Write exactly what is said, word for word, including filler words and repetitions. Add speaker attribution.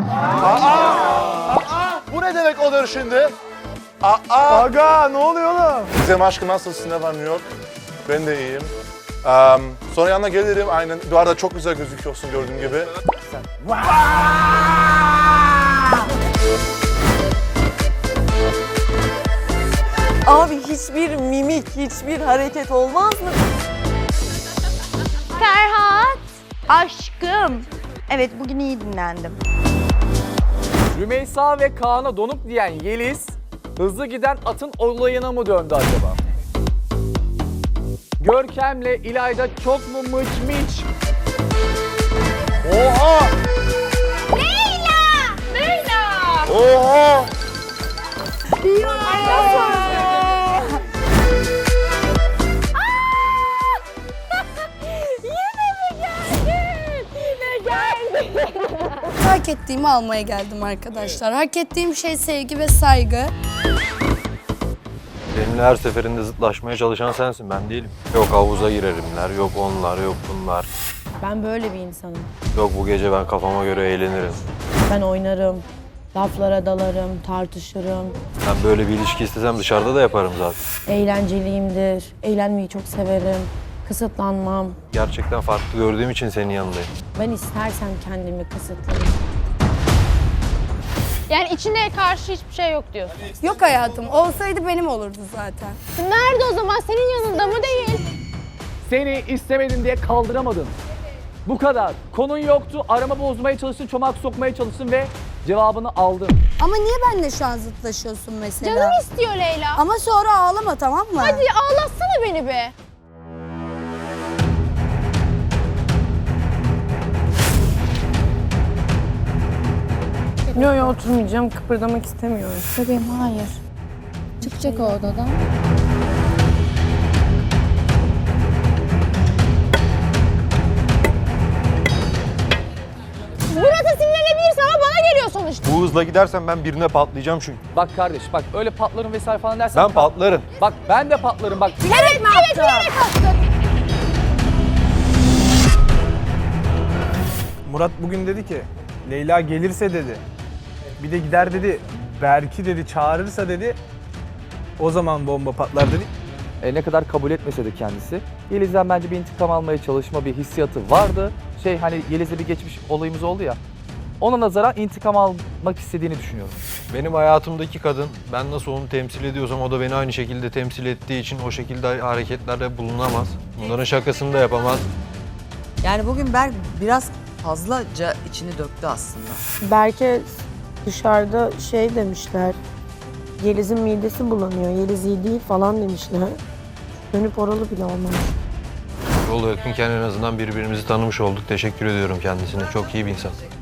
Speaker 1: Aa! Bu ne demek olur şimdi? Aa!
Speaker 2: Aga ne oluyor oğlum?
Speaker 1: Gizem aşkım nasılsın? Ne var New York? Ben de iyiyim. Um, sonra yanına gelirim aynen. Bu arada çok güzel gözüküyorsun gördüğüm gibi.
Speaker 3: Abi hiçbir mimik, hiçbir hareket olmaz mı?
Speaker 4: Ferhat, aşkım. Evet, bugün iyi dinlendim.
Speaker 2: Rümeysa ve Kaan'a donuk diyen Yeliz, hızlı giden atın olayına mı döndü acaba? Görkem'le İlayda çok mu mıç mıç?
Speaker 1: Oha!
Speaker 4: Leyla! Leyla!
Speaker 1: Oha!
Speaker 4: Yine mi geldin? Yine geldin.
Speaker 5: Hak ettiğimi almaya geldim arkadaşlar. Hak ettiğim şey sevgi ve saygı.
Speaker 6: Benimle her seferinde zıtlaşmaya çalışan sensin, ben değilim. Yok havuza girerimler, yok onlar, yok bunlar.
Speaker 7: Ben böyle bir insanım.
Speaker 6: Yok bu gece ben kafama göre eğlenirim.
Speaker 7: Ben oynarım, laflara dalarım, tartışırım.
Speaker 6: Ben böyle bir ilişki istesem dışarıda da yaparım zaten.
Speaker 7: Eğlenceliyimdir, eğlenmeyi çok severim. Kısıtlanmam.
Speaker 6: Gerçekten farklı gördüğüm için senin yanındayım.
Speaker 7: Ben istersem kendimi kısıtlarım.
Speaker 4: Yani içine karşı hiçbir şey yok diyorsun.
Speaker 5: Yok hayatım. Olsaydı benim olurdu zaten.
Speaker 4: Nerede o zaman? Senin yanında mı değil?
Speaker 2: Seni istemedin diye kaldıramadın. Bu kadar. Konun yoktu, arama bozmaya çalıştın, çomak sokmaya çalıştın ve cevabını aldın.
Speaker 5: Ama niye benimle şu an zıtlaşıyorsun mesela?
Speaker 4: Canım istiyor Leyla.
Speaker 5: Ama sonra ağlama, tamam mı?
Speaker 4: Hadi ağlatsana beni be.
Speaker 7: Yok yok oturmayacağım, kıpırdamak istemiyorum.
Speaker 5: Bebeğim hayır. Çıkacak o odadan.
Speaker 4: Murat'a sinirlenebilirsin ama bana geliyor sonuçta.
Speaker 6: Bu hızla gidersen ben birine patlayacağım çünkü.
Speaker 2: Bak kardeş, bak öyle patlarım vesaire falan dersen...
Speaker 6: Ben patlarım.
Speaker 2: Bak ben de patlarım bak.
Speaker 4: Evet, evet, bilerek attın.
Speaker 8: Murat bugün dedi ki Leyla gelirse dedi. Bir de gider dedi. Berk'i dedi çağırırsa dedi. O zaman bomba patlar dedi.
Speaker 2: E, ne kadar kabul etmese de kendisi, Yeliz'den bence bir intikam almaya çalışma bir hissiyatı vardı. Şey hani Yeliz'le bir geçmiş olayımız oldu ya, ona nazaran intikam almak istediğini düşünüyorum.
Speaker 6: Benim hayatımdaki kadın, ben nasıl onu temsil ediyorsam o da beni aynı şekilde temsil ettiği için o şekilde hareketlerde bulunamaz. Bunların şakasını da yapamaz.
Speaker 3: Yani bugün Berk biraz fazlaca içini döktü aslında.
Speaker 7: Berke dışarıda şey demişler, Yeliz'in midesi bulanıyor, Yeliz iyi değil falan demişler. Dönüp oralı bile olmamış.
Speaker 6: Yol yakınken en azından birbirimizi tanımış olduk. Teşekkür ediyorum kendisine. Çok iyi bir insan.